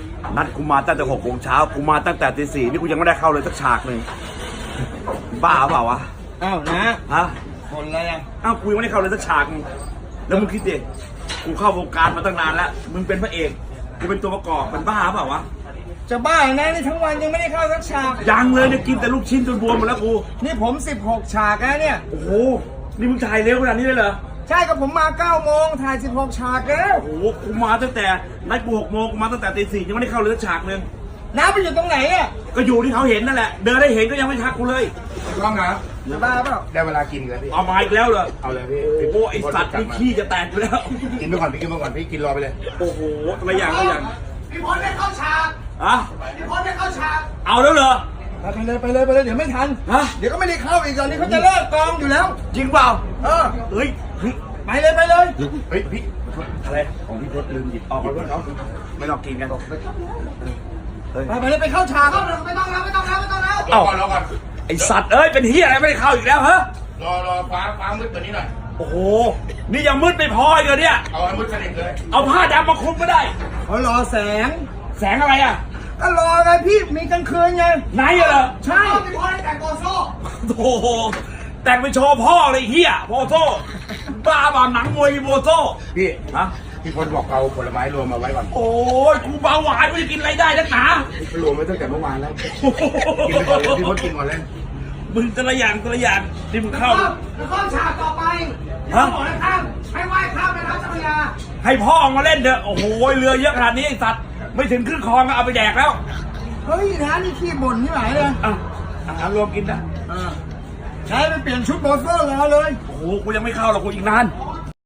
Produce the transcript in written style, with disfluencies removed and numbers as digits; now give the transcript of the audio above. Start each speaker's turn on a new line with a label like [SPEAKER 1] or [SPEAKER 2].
[SPEAKER 1] นัดกูมาตั้งแต่6 โมงเช้ากูมาตั้งแต่ตี 4นี่กูยังไม่ได้เข้าเลยสักฉากหนึ่งบ้าเปล่าวะ
[SPEAKER 2] อ้าวนะ
[SPEAKER 1] ฮะ
[SPEAKER 2] คนอะไรอ่ะ
[SPEAKER 1] อ้าวกูยังไม่ได้เข้าเลยสักฉากนึงแล้วมึงคิดดิกูเข้าวงการมาตั้งนานแล้วมึงเป็นพระเอกกูเป็นตัวประกอบมันบ้าเปล่าวะ
[SPEAKER 2] จะบ้านะนี่ทั้งวันยังไม่ได้เข้าสักฉาก
[SPEAKER 1] ยังเลยเนี่ยกินแต่ลูกชิ้นจนบวมหมดแล้วกู
[SPEAKER 2] นี่ผม16ฉากแล้วเนี่ย
[SPEAKER 1] โอ้โหนี่มึงถ่ายเร็วขนาดนี้เลยเหรอ
[SPEAKER 2] ใช่กับผมมา9 โมงถ่าย16ฉากแล้ว
[SPEAKER 1] โอ้โหกูมาตั้งแต่นัดกู6 โมงกูมาตั้งแต่ตี 4ยังไม่ได้เข้าเลยสักฉากนึง
[SPEAKER 2] น้าไปอยู่ตรงไหนอ่ะ
[SPEAKER 1] ก็อยู่ที่เขาเห็นนั่นแหละเดินได้เห็นก็ยังไม่ทักกูเลย
[SPEAKER 3] กล้องนะ
[SPEAKER 2] จะบ้าเปล่า
[SPEAKER 3] ได้เวลากินแล้วพี่
[SPEAKER 1] เอามาอีกแล้วเหรอ
[SPEAKER 3] เอาเลยพี่
[SPEAKER 1] โอ้โหไอสัตว์นี่ขี้จะแตกอยู่แล้ว
[SPEAKER 3] กินไปก่อนพี่กินไปก่อนพี่กินรอไปเลย
[SPEAKER 1] โอ้โหตัวอย่างตัวอย่าง
[SPEAKER 2] พี่พลได้เข้าฉาก
[SPEAKER 1] อะ
[SPEAKER 2] พี่พลได้เข้าฉาก
[SPEAKER 1] เอาแล้วเหรอ
[SPEAKER 2] ไปเลยไปเลยไปเลยเดี๋ยวไม่ทัน
[SPEAKER 1] ฮะ
[SPEAKER 2] เดี๋ยวก็ไม่ได้เข้าอีกตอนนี้เขาจะเลิกกองอยู่แล้ว
[SPEAKER 1] จริงเปล่า
[SPEAKER 2] เออ
[SPEAKER 1] เฮ้ยเฮ้ย
[SPEAKER 2] ไปเลยไปเลย
[SPEAKER 3] เฮ้ยพี่
[SPEAKER 1] อะไรของพี่เพชรลืมหยิบออกมาด้วยเขาไม่ต้องกินกันเฮ้ย
[SPEAKER 2] ไปเลยไปเข้าฉากไม่ต้องแล้วไม่ต้องแล้วไม่ต้องแล้ว
[SPEAKER 3] รอก่อนรอก่อน
[SPEAKER 1] ไอสัตว์เอ้ยเป็นเฮียอะไรไม่ได้เข้าอีกแล้วฮะ
[SPEAKER 3] รอฟ้ามืดกว่านี้หน่อย
[SPEAKER 1] โอ้โหนี่ยังมืดไม่พออีกเหรอเนี่ย
[SPEAKER 3] เอาให้มืดสนิทเลย
[SPEAKER 1] เอาผ้าดำมาคลุมก็ได้
[SPEAKER 2] เขารอแสง
[SPEAKER 1] แสงอะไรอ่ะ
[SPEAKER 2] ก็รอไงพี่มีกลางคืนไง
[SPEAKER 1] ไหนอะเหรอ
[SPEAKER 2] ใช่พี่พลได้แต่งโกโซ่
[SPEAKER 1] โอ้โหแต่งไปโชว์พ่อเลยเฮียโบโซ่บ้าบ้าหนังมวยโบโซ่
[SPEAKER 3] พี่
[SPEAKER 1] ฮะ
[SPEAKER 3] พี่พลบอกเอาผลไม้รวมมาไว้ก่อน
[SPEAKER 1] โอ้ยกูเบาหวานกูจะกินอะไรได้นักหนา
[SPEAKER 3] รวมไว้ตั้งแต่เมื่อวานแล้วกินไปก่อนเลยพี่พลกินก่อนเลย
[SPEAKER 1] มึงแต่ละอย่างที่มึงเข้า
[SPEAKER 2] แล้วก็ฉากต่อไป
[SPEAKER 1] ฮะ
[SPEAKER 2] บอกนะครับให้ไหว้ข้ามแม่น้ำเจ้าพระยา
[SPEAKER 1] ให้พ่อออกมาเล่นเถอะโอ้โหเรือเยอะขนาดนี้ไอ้สัตว์ไม่ถึงครึ่งคลองก็เอาไปแดกแล้ว
[SPEAKER 2] เฮ้ยนะนี่ขี้บ่นที่ไหนเลย
[SPEAKER 1] อ่ะอาหารรวมกินนะ
[SPEAKER 2] ใช้ไปเปลี่ยนชุดโบเซอร์รอเลย
[SPEAKER 1] โอ้โหกูยังไม่เข้าหรอกกูอีกนาน
[SPEAKER 2] อ๋อ